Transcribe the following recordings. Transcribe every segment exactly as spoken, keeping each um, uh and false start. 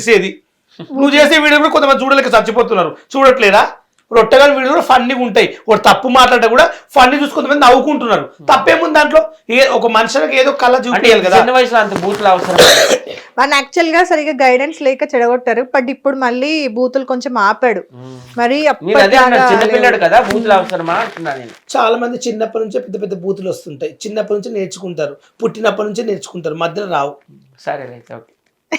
తెలిసేది. నువ్వు చేసే వీడియో కూడా కొంతమంది చూడలేక చచ్చిపోతున్నారు, చూడట్లేదా? ఇప్పుడు ఒట్టగాని వీడియోలు కూడా ఫన్నీగా ఉంటాయి, ఒక తప్పు మాట్లాడితే కూడా ఫన్నీ చూసి కొంతమంది నవ్వుకుంటున్నారు. తప్పేముంది దాంట్లో? ఏ ఒక మనుషులకు ఏదో కళ చూపించాలి కదా. చిన్న వయసులో అంత బూతులు అవసరం. మన యాక్చువల్ గా సరిగా గైడెన్స్ లేక చెడగొట్టారు, బట్ ఇప్పుడు మళ్ళీ బూతులు కొంచెం ఆపాడు. మరి చిన్నపిల్లాడు కదా, బూతులు అవసరమా అంటున్నా నేను. చాలా మంది చిన్నప్పటి నుంచే పెద్ద పెద్ద బూతులు వస్తుంటాయి, చిన్నప్పటి నుంచి నేర్చుకుంటారు, పుట్టినప్పటి నుంచే నేర్చుకుంటారు, మధ్యలో రావు. సరే అయితే ఓకే.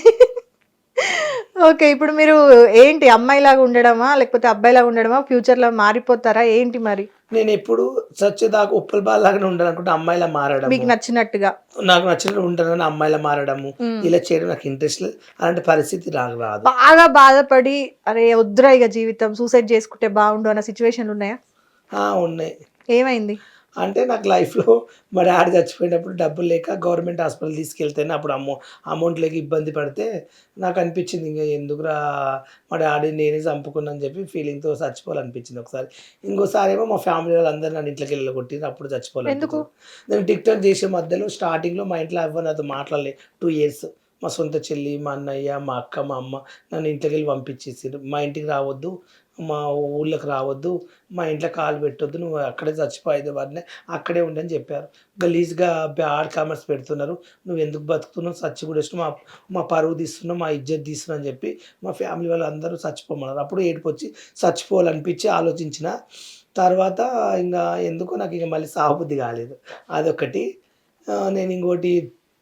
ఓకే, ఇప్పుడు మీరు ఏంటి అమ్మాయిలాగా ఉండడమా లేకపోతే అబ్బాయిలాగా ఉండడమా, ఫ్యూచర్ లో మారిపోతారా ఏంటి మరి? నేను ఎప్పుడు సచ్చేదాకా ఉప్పల బాలాగానే ఉండాలి అనుకుంటే అమ్మాయిలా మారడం, మీకు నచ్చినట్టుగా నాకు నచ్చినట్టు ఉంటానని అమ్మాయిలా మారడము, ఇలా చేయడం నాకు ఇంట్రెస్ట్ లేదు. అలాంటి పరిస్థితి నాకు రాదు. బాగా బాధపడి అరే వద్దురా ఇక జీవితం సూసైడ్ చేసుకుంటే బాగుండు అన్న సిచ్యువేషన్లు ఉన్నాయా? ఉన్నాయి. ఏమైంది అంటే నాకు లైఫ్లో మా డాడీ చచ్చిపోయినప్పుడు డబ్బులు లేక గవర్నమెంట్ హాస్పిటల్ తీసుకెళ్తేనే అప్పుడు అమౌ అమౌంట్ లేక ఇబ్బంది పడితే నాకు అనిపించింది ఇంకా ఎందుకురా మా డాడీ నేనే చంపుకున్నాను చెప్పి ఫీలింగ్తో చచ్చిపోవాలనిపించింది ఒకసారి. ఇంకోసారి ఏమో మా ఫ్యామిలీ వాళ్ళందరూ నన్ను ఇంట్లోకి వెళ్ళగొట్టింది, అప్పుడు చచ్చిపోవాలి. నేను టిక్ టాక్ చేసే మధ్యలో స్టార్టింగ్లో మా ఇంట్లో ఎవరు నాతో మాట్లాడలే టూ ఇయర్స్. మా సొంత చెల్లి, మా అన్నయ్య, మా అక్క, మా అమ్మ నన్ను ఇంట్లోకి వెళ్ళి పంపించేసారు. మా ఇంటికి రావద్దు, మా ఊళ్ళకి రావద్దు, మా ఇంట్లో కాలు పెట్టొద్దు, నువ్వు అక్కడే చచ్చిపోయేది వాడిని అక్కడే ఉండని చెప్పారు. గలీజ్గా బ్యాడ్ కామెంట్స్ పెడుతున్నారు, నువ్వు ఎందుకు బతుకుతున్నావు, చచ్చి కూడా ఇష్టం, మా మా పరువు తీస్తున్నావు, మా ఇజ్జత్ తీస్తున్నావు అని చెప్పి మా ఫ్యామిలీ వాళ్ళు అందరూ చచ్చిపోమన్నారు. అప్పుడు ఏడుపు వచ్చి చచ్చిపోవాలనిపించి ఆలోచించిన తర్వాత ఇంకా ఎందుకో నాకు ఇక మళ్ళీ సాగుబుద్ధి కాలేదు. అదొకటి. నేను ఇంకోటి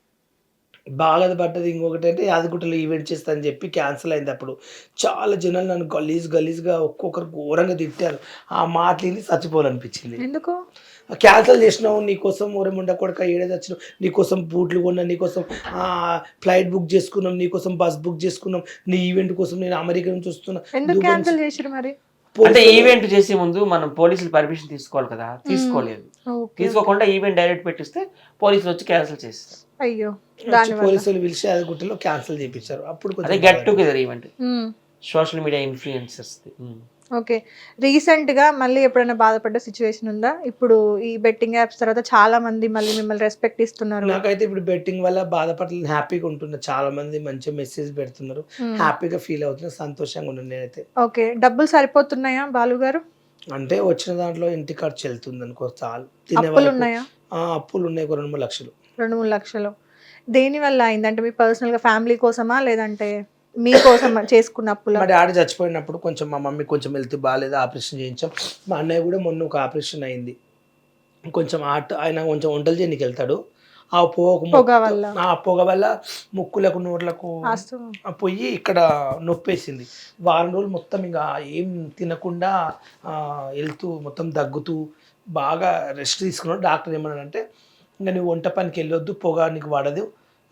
బాగా పడ్డది ఇంకొకటి అంటే యాదగుట్టలో ఈవెంట్ చేస్తానని చెప్పి క్యాన్సిల్ అయింది. అప్పుడు చాలా జనాలు నన్ను గలీజ్ గలీజ్గా ఒక్కొక్కరు ఘోరంగా తిట్టారు. ఆ మాటలు చచ్చిపోవాలనిపించింది. ఎందుకు క్యాన్సిల్ చేసినావు, నీకోసం ఊరముండ కొడుక ఏడేది వచ్చినావు, నీకోసం బూట్లు కొన్నా, నీకోసం ఫ్లైట్ బుక్ చేసుకున్నాం, నీకోసం బస్ బుక్ చేసుకున్నాం, నీ ఈవెంట్ కోసం నేను అమెరికా నుంచి వస్తున్నా. ఎందుకు క్యాన్సిల్ చేసిరు మరి? అంటే ఈవెంట్ చేసే ముందు మనం పోలీసులు పర్మిషన్ తీసుకోవాలి కదా, తీసుకోలేదు. తీసుకోకుండా ఈవెంట్ డైరెక్ట్ పెట్టిస్తే పోలీసులు వచ్చి క్యాన్సిల్ చేస్తారు. అయ్యో, పోలీసులు పిలిచి యాదగుట్టలో క్యాన్సిల్ చేయించారు. అప్పుడు అదే get together event, social media influencers. Okay, recent గా మళ్ళీ ఎప్పుడైనా బాధపడ్డ సిచ్యువేషన్ ఉందా? ఇప్పుడు ఈ బెట్టింగ్ యాప్స్ తర్వాత చాలా మంది మళ్ళీ మిమ్మల్ని రెస్పెక్ట్ ఇస్తున్నారు. నాకైతే ఇప్పుడు బెట్టింగ్ వల్ల బాధపడలేదు, హ్యాపీగా ఉంటున్నా. చాలా మంది మంచిగా మెసేజ్ పెడుతున్నారు, హ్యాపీగా ఫీల్ అవుతున్నా, సంతోషంగా ఉన్నాను నేనైతే. ఓకే, డబ్బులు సరిపోతున్నాయా బాలు గారు? అంటే వచ్చిన దాంట్లో ఇంటి ఖర్చు వెళ్తుంది అనుకో, చాలు. అప్పులు ఉన్నాయా? అప్పులు ఉన్నాయి, ఒక రెండు మూడు లక్షలు. రెండు మూడు లక్షలు దేని వల్ల అయిందంటే మీ పర్సనల్ గా ఫ్యామిలీ కోసమా లేదంటే మీకోసం చేసుకున్న అప్పులు? మా డాడీ చచ్చిపోయినప్పుడు కొంచెం మా మమ్మీ కొంచెం హెల్త్ బాగాలేదు, ఆపరేషన్ చేయించాం. మా అన్నయ్య కూడా మొన్న ఒక ఆపరేషన్ అయింది. కొంచెం ఆట ఆయన కొంచెం వంటలు చేయడానికి వెళ్తాడు, ఆ పొగ పొగ వల్ల ఆ పొగ వల్ల ముక్కులకు నోట్లకు పోయి ఇక్కడ నొప్పేసింది. వారం రోజులు మొత్తం ఇంకా ఏం తినకుండా వెళ్తూ మొత్తం దగ్గుతూ బాగా రెస్ట్ తీసుకున్నాడు. డాక్టర్ ఏమన్నాడంటే ఇంకా నువ్వు వంట పనికి వెళ్ళొద్దు, పొగ నీకు పడదు,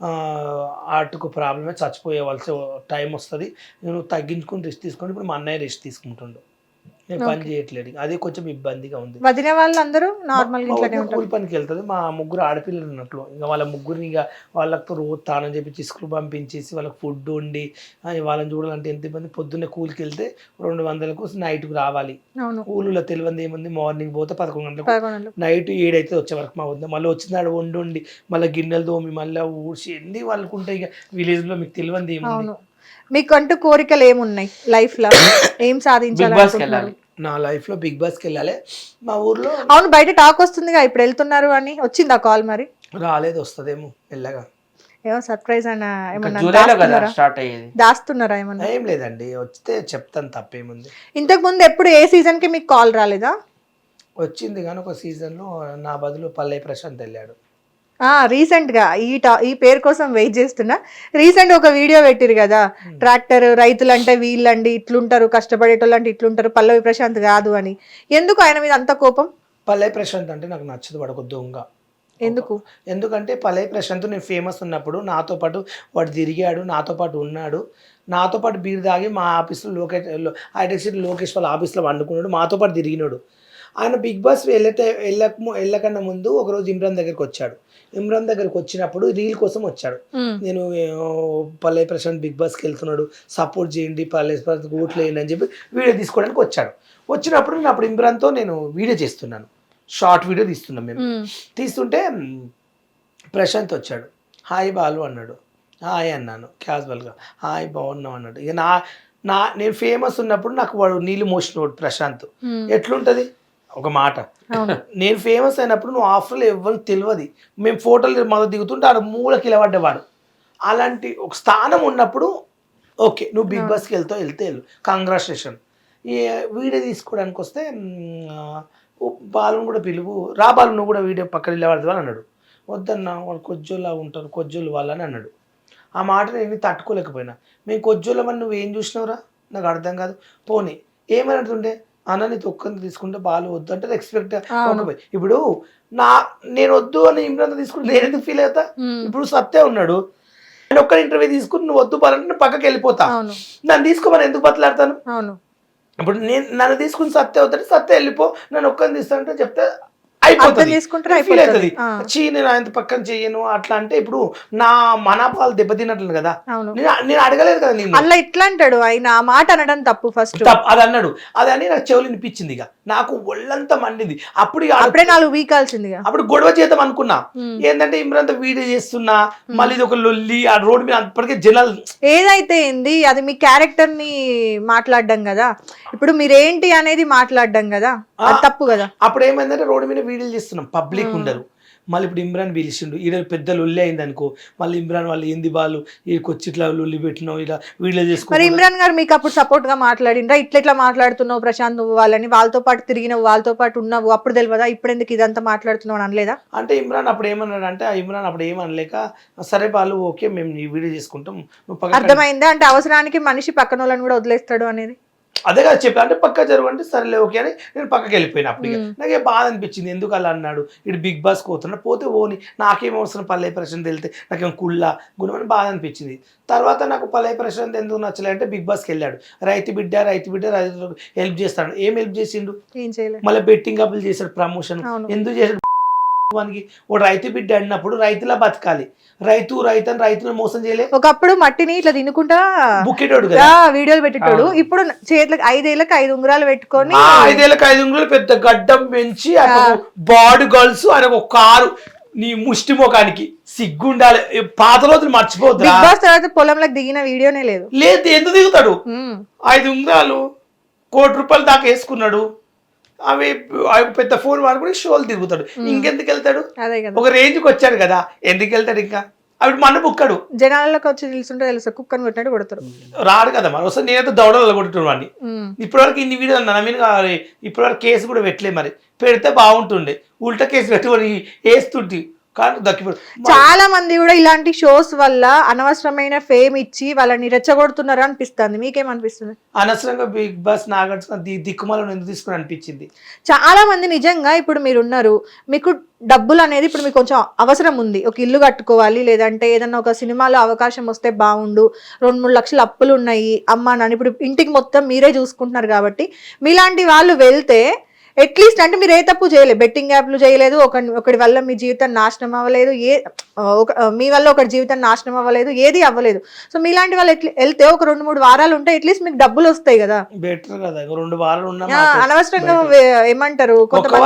ఆర్ట్కు ప్రాబ్లమే, చచ్చిపోయేవలసి టైం వస్తుంది, నేను తగ్గించుకుని రెస్ట్ తీసుకుని. ఇప్పుడు మా అన్నయ్య రెస్ట్ తీసుకుంటుండు, నేను పని చేయట్లేదు, అదే కొంచెం ఇబ్బందిగా ఉంది. వదిన వాళ్ళందరూ నార్మల్ కూలి పనికి వెళ్తుంది. మా ముగ్గురు ఆడపిల్లలు ఉన్నట్లు ఇంకా వాళ్ళ ముగ్గురిని ఇక వాళ్ళతో రోజు తానని చెప్పి స్కూల్ పంపించేసి వాళ్ళకి ఫుడ్ వండి వాళ్ళని చూడాలంటే ఎంత ఇబ్బంది. పొద్దున్నే కూలికి వెళ్తే రెండు వందలకు నైట్కి రావాలి. కూలీలో తెలియంది ఏముంది, మార్నింగ్ పోతే పదకొండు గంటలకు, నైట్ ఏడైతే వచ్చే వరకు మా వద్ద, మళ్ళీ వచ్చినాడు వండి వండి మళ్ళీ గిన్నెలు తోమి మళ్ళీ ఊడ్చి ఎన్ని వాళ్ళకు ఉంటాయి. ఇక విలేజ్లో మీకు తెలియంది ఏముంది. మీకు అంటూ కోరికలు ఏమున్నాయి లైఫ్ లో, ఏం సాధించాలి? నా లైఫ్ లో బిగ్ బాస్కి వెళ్ళాలి. మా ఊర్లో అవును, బయట టాక్ వస్తుందిగా ఇప్పుడు వెళ్తున్నారు అని, వచ్చిందా కాల్? మరి రాలేదు, వస్తుందేమో మెల్లగా. ఏమో సర్ప్రైజ్ అన్న ఏమన్నా దాస్తున్నారా? ఏమన్నా? ఏం లేదండి, వస్తే చెప్తాను, తప్పేముంది. ఇంతకు ముందు ఎప్పుడు ఏ సీజన్ కి మీకు కాల్ రాలేదా? వచ్చింది కానీ ఒక సీజన్ లో నా బదులు పల్లె ప్రశాంత్ వెళ్ళాడు. రీసెంట్ గా ఈ టా ఈ పేరు కోసం వెయిట్ చేస్తున్నా. రీసెంట్ ఒక వీడియో పెట్టిరు కదా, ట్రాక్టర్ రైతులు అంటే వీళ్ళండి ఇట్లుంటారు, కష్టపడేటోళ్ళు అంటే ఇట్లుంటారు, పల్లవి ప్రశాంత్ కాదు అని. ఎందుకు ఆయన మీద అంత కోపం? పల్లవి ప్రశాంత్ అంటే నాకు నచ్చదు, వాడు ఒక దొంగ. ఎందుకు? ఎందుకంటే పల్లవి ప్రశాంత్ నేను ఫేమస్ ఉన్నప్పుడు నాతో పాటు వాడు తిరిగాడు, నాతో పాటు ఉన్నాడు, నాతో పాటు బీర్ తాగి మా ఆఫీస్లో లోకేష్ హైటెక్ లోకేష్ వాళ్ళ ఆఫీస్లో వండుకున్నాడు, మాతో పాటు తిరిగినాడు. ఆయన బిగ్ బాస్ వెళ్ళటే వెళ్ళక వెళ్ళకన్నా ముందు ఒకరోజు ఇమ్రాన్ దగ్గరికి వచ్చాడు. ఇమ్రాన్ దగ్గరికి వచ్చినప్పుడు రీల్ కోసం వచ్చాడు. నేను పల్లవి ప్రశాంత్ బిగ్ బాస్కి వెళ్తున్నాడు, సపోర్ట్ చేయండి, పల్లవి ప్రశాంత్ ఓట్లు వేయండి అని చెప్పి వీడియో తీసుకోవడానికి వచ్చాడు. వచ్చినప్పుడు నేను అప్పుడు ఇమ్రాన్తో నేను వీడియో చేస్తున్నాను, షార్ట్ వీడియో తీస్తున్నాం మేము. తీస్తుంటే ప్రశాంత్ వచ్చాడు, హాయ్ బాలు అన్నాడు. హాయ్ అన్నాను క్యాజువల్గా, హాయ్ బాగున్నావు అన్నాడు. ఇక నా నా నేను ఫేమస్ ఉన్నప్పుడు నాకు వాడు నీళ్ళు మోసినోడు ప్రశాంత్. ఎట్లుంటుంది ఒక మాట, నేను ఫేమస్ అయినప్పుడు నువ్వు ఆఫర్లో ఎవరికి తెలియదు, మేము ఫోటోలు మొదలు దిగుతుంటే ఆడ మూలకి నిలబడ్డేవాడు. అలాంటి ఒక స్థానం ఉన్నప్పుడు ఓకే నువ్వు బిగ్ బాస్కి వెళ్తావు, వెళ్తే వెళ్ళు, కంగ్రాచులేషన్. ఈ వీడియో తీసుకోవడానికి వస్తే బాలుని కూడా పిలువు, రా బాలు నువ్వు కూడా వీడియో పక్కన నిలబడతావు అని అన్నాడు. వద్దన్నా వాళ్ళు కొజ్జోలా ఉంటారు, కొజ్జోలు వాళ్ళని అన్నాడు. ఆ మాట నేను తట్టుకోలేకపోయినా. మేము కొజ్జోళ్ళమని నువ్వు ఏం చూసినావురా నాకు అర్థం కాదు. పోనీ ఏమని అంటుండే అన్న నీ తొక్కని తీసుకుంటే బాలు వద్దు అంటే ఎక్స్పెక్ట్. ఇప్పుడు నా నేను వద్దు అని ఇమ్రాన్ తీసుకుంటే నేను ఎందుకు ఫీల్ అవుతా? ఇప్పుడు సత్తే ఉన్నాడు, నేను ఒక్క ఇంటర్వ్యూ తీసుకుని నువ్వు వద్దు బాలంటే నేను పక్కకి వెళ్ళిపోతా. నన్ను తీసుకోమని ఎందుకు బతలాడతాను? ఇప్పుడు నేను నన్ను తీసుకుని సత్తే అవుతాడు, సత్తే వెళ్ళిపో, నన్ను ఒక్కని తీస్తానంటే చెప్తే అయిపోతుంది, ఫీల్ అవుతుంది. చీ నేను ఆయన పక్కన చెయ్యను అట్లా అంటే ఇప్పుడు నా మనపాలు దెబ్బతిన్నట్లు కదా. నేను నేను అడగలేదు కదా నేను అలా ఇట్లా అంటాడు ఆయన, ఆ మాట అనడం తప్పు. ఫస్ట్ అది అన్నాడు, అది అని నాకు చెవులు వినిపించింది. ఇక నాకు ఒళ్ళంతా మండింది. అప్పుడు అప్పుడే నాలుగు వీకాల్సింది. అప్పుడు గొడవ చేద్దాం అనుకున్నా, ఏంటంటే ఇమ్రాన్ వీడియో చేస్తున్నా మళ్ళీ ఇది ఒక లొల్లి ఆ రోడ్ మీద అప్పటికే జనాలు. ఏదైతే ఏంది అది మీ క్యారెక్టర్ ని మాట్లాడడం కదా, ఇప్పుడు మీరేంటి అనేది మాట్లాడడం కదా, అది తప్పు కదా. అప్పుడు ఏమైందంటే రోడ్డు మీద వీడియోలు చేస్తున్నాం, పబ్లిక్ ఉండరు. మళ్ళీ ఇప్పుడు ఇమ్రాన్ పిలిచిండు, ఈడ పెద్ద లొల్లి అయింది అనుకో, మళ్ళీ ఇమ్రాన్ వాళ్ళు ఏంది వాళ్ళు వీడికి వచ్చి ఇట్లా లొల్లి పెట్టినావు ఇలా వీడియో చేసుకో. మరి ఇమ్రాన్ గారు మీకు అప్పుడు సపోర్ట్ గా మాట్లాడిండ్రా, ఇట్లా ఇట్లా మాట్లాడుతున్నావు ప్రశాంత్ నువ్వు వాళ్ళని, వాళ్ళతో పాటు తిరిగినావు, వాళ్ళతో పాటు ఉన్నావు, అప్పుడు తెలియదా ఇప్పుడు ఎందుకు ఇదంతా మాట్లాడుతున్నావు అనలేదా? అంటే ఇమ్రాన్ అప్పుడు ఏమన్నాడు అంటే, ఇమ్రాన్ అప్పుడు ఏమనలేక సరే వాళ్ళు ఓకే మేము ఈ వీడియో చేసుకుంటాం. అర్థమైందా? అంటే అవసరానికి మనిషి పక్కన వాళ్ళని కూడా వదిలేస్తాడు అనేది అదే కదా చెప్పి, అంటే పక్క జరుగు అంటే సరేలే ఓకే అని నేను పక్కకి వెళ్ళిపోయినా. అప్పటికి నాకే బాధ అనిపించింది, ఎందుకు అలా అన్నాడు, ఇటు బిగ్ బాస్ పోతున్నా పోతే ఓని నాకేం అవసరం, పల్లె ప్రశాంత్ వెళ్తే నాకేం కుళ్ళ గుణం అని బాధ అనిపించింది. తర్వాత నాకు పల్లె ప్రశాంత్ ఎందుకు నచ్చలే అంటే బిగ్ బాస్కి వెళ్ళాడు, రైతు బిడ్డ రైతు బిడ్డ రైతు హెల్ప్ చేస్తాడు. ఏం హెల్ప్ చేసిండు? ఏం చేయలేదు. మళ్ళీ బెట్టింగ్ అప్పులు చేశాడు, ప్రమోషన్ ఎందుకు చేశాడు? వానికి ఓ రైతు బిడ్డ అన్నప్పుడు రైతులా బతకాలి, రైతు రైతు అని రైతులను మోసం చేయలేదు. ఒకప్పుడు మట్టిని ఇట్లా తినుకుంటా బుక్కేటోడు వీడియోలు పెట్టేటోడు, ఇప్పుడు చేతులకు ఐదేళ్ళకి ఐదు ఉంగరాలు పెట్టుకొని ఐదేళ్ళకి ఐదు ఉంగరాలు పెద్ద గడ్డం పెంచి బాడీ గర్ల్స్ ఆయన ఒక కారు నీ ముష్టి ముఖానికి సిగ్గుండాలి. పాత రోజులు మర్చిపోద్దు. బిగ్ బాస్ తర్వాత పొలంలోకి దిగిన వీడియోనే లేదు. లేదు ఎందుకు దిగుతాడు? ఐదు ఉంగరాలు కోటి రూపాయలు దాకా వేసుకున్నాడు, అవి పెద్ద ఫోన్ వాడుకుని షోలు తిరుగుతాడు. ఇంకెందుకు వెళ్తాడు? ఒక రేంజ్కి వచ్చాడు కదా, ఎందుకు వెళ్తాడు? ఇంకా అవి మన బుక్కడు జనాలకు వచ్చి తెలుసుంటే తెలుసు, కుక్కని కొట్టినట్టు కొడతారు. రాడు కదా మరి, వస్తే నేనైతే దౌడలు కొట్టున్నాను వాడిని. ఇప్పటివరకు ఇన్ని వీడియోలు నా మీద ఇప్పటివరకు కేసు కూడా పెట్టలే, మరి పెడితే బాగుంటుండే. ఉల్టా కేసు పెట్టుకొని వేస్తుంటే చాలా మంది కూడా ఇలాంటి షోస్ వల్ల అనవసరమైన ఫేమ్ ఇచ్చి వాళ్ళని రెచ్చగొడుతున్నారు అనిపిస్తుంది. మీకేమనిపిస్తుంది? అనవసరంగా బిగ్ బాస్ నాగార్జున దిక్కుమాలను ఎందుకు తీసుకుని అనిపించింది. చాలా మంది నిజంగా ఇప్పుడు మీరు ఉన్నారు, మీకు డబ్బులు అనేది ఇప్పుడు మీకు కొంచెం అవసరం ఉంది, ఒక ఇల్లు కట్టుకోవాలి, లేదంటే ఏదన్నా ఒక సినిమాలో అవకాశం వస్తే బాగుండు, రెండు మూడు లక్షల అప్పులు ఉన్నాయి, అమ్మా నాన్న ఇప్పుడు ఇంటికి మొత్తం మీరే చూసుకుంటున్నారు కాబట్టి మీలాంటి వాళ్ళు వెళ్తే అట్లీస్ట్ అంటే మీరు ఏ తప్పు చేయలేదు, బెట్టింగ్ యాప్లు చేయలేదు, ఒక ఒకటి వల్ల మీ జీవితం నాశనం అవ్వలేదు, ఏ ఒక మీ వల్ల ఒకటి జీవితం నాశనం అవ్వలేదు, ఏది అవ్వలేదు. సో మీలాంటి వాళ్ళు ఎట్లా వెళ్తే ఒక రెండు మూడు వారాలు ఉంటే అట్లీస్ట్ మీకు డబ్బులు వస్తాయి కదా. బెటర్ కదా, రెండు వారాలు ఉన్నా అనవసరంగా ఏమంటారు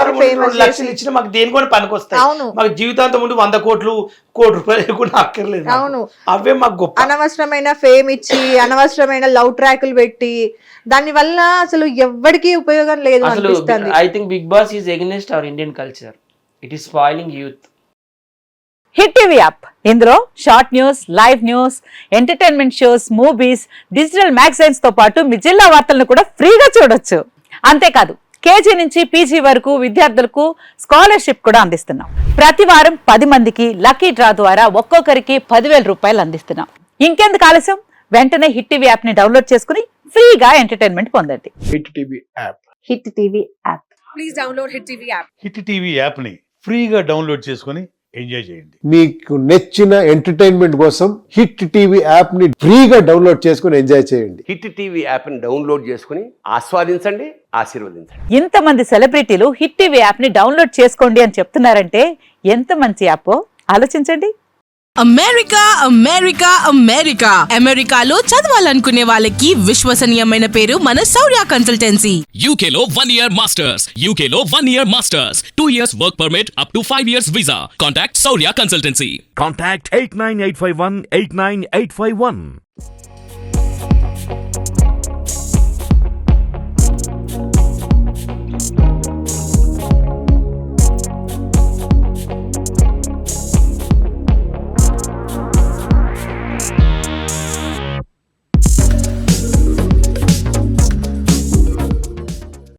అవును మాకు జీవితాంతం ముందు వంద కోట్లు కోటి రూపాయలు కూడా అక్కర్లేదు. అవును అవే మాకు గొప్ప. అనవసరమైన ఫేమ్ ఇచ్చి అనవసరమైన లవ్ ట్రాకులు పెట్టి దాని వల్ల అసలు ఎవ్వడికి ఉపయోగం లేదు అనిపిస్తుంది. I think Bigg Boss is against our Indian culture, it is spoiling youth. Hit TV app, ఇందులో short news, live news, entertainment shows, movies, digital magazines తో పాటు మీ జిల్లా వార్తలను కూడా ఫ్రీగా చూడొచ్చు. అంతేకాదు కేజీ నుంచి పీజీ వరకు విద్యార్థులకు స్కాలర్షిప్ కూడా అందిస్తున్నాం. ప్రతి వారం పది మందికి లక్కీ డ్రా ద్వారా ఒక్కొక్కరికి పదివేల రూపాయలు అందిస్తున్నాం. ఇంకెందుకు ఆలస్యం, వెంటనే హిట్ టీవీ యాప్ ని డౌన్లోడ్ చేసుకుని ఫ్రీగా ఎంటర్టైన్మెంట్ పొందండి. Hit TV app, Hit TV app, please download Hit TV app. Hit TV app ని ఫ్రీగా డౌన్లోడ్ చేసుకుని ఎంజాయ్ చేయండి. మీకు నచ్చిన ఎంటర్టైన్మెంట్ కోసం హిట్ టీవీ యాప్ ని ఫ్రీగా డౌన్లోడ్ చేసుకుని ఎంజాయ్ చేయండి. హిట్ టీవీ యాప్ ని డౌన్లోడ్ చేసుకుని ఆస్వాదించండి, ఆశీర్వదించండి. ఇంతమంది సెలబ్రిటీలు హిట్ టీవీ యాప్ ని డౌన్లోడ్ చేసుకోండి అని చెప్తున్నారంటే ఎంత మంచి యాప్ ఆలోచించండి. అమెరికా అమెరికా అమెరికా అమెరికాలో చదవాలనుకునే వాళ్ళకి విశ్వసనీయమైన పేరు మన శౌర్య కన్సల్టెన్సీ. U K లో one year masters, U K లో one year masters, two years work permit up to five years visa. Contact Saurya Consultancy. Contact eight nine eight five one eight nine eight five one.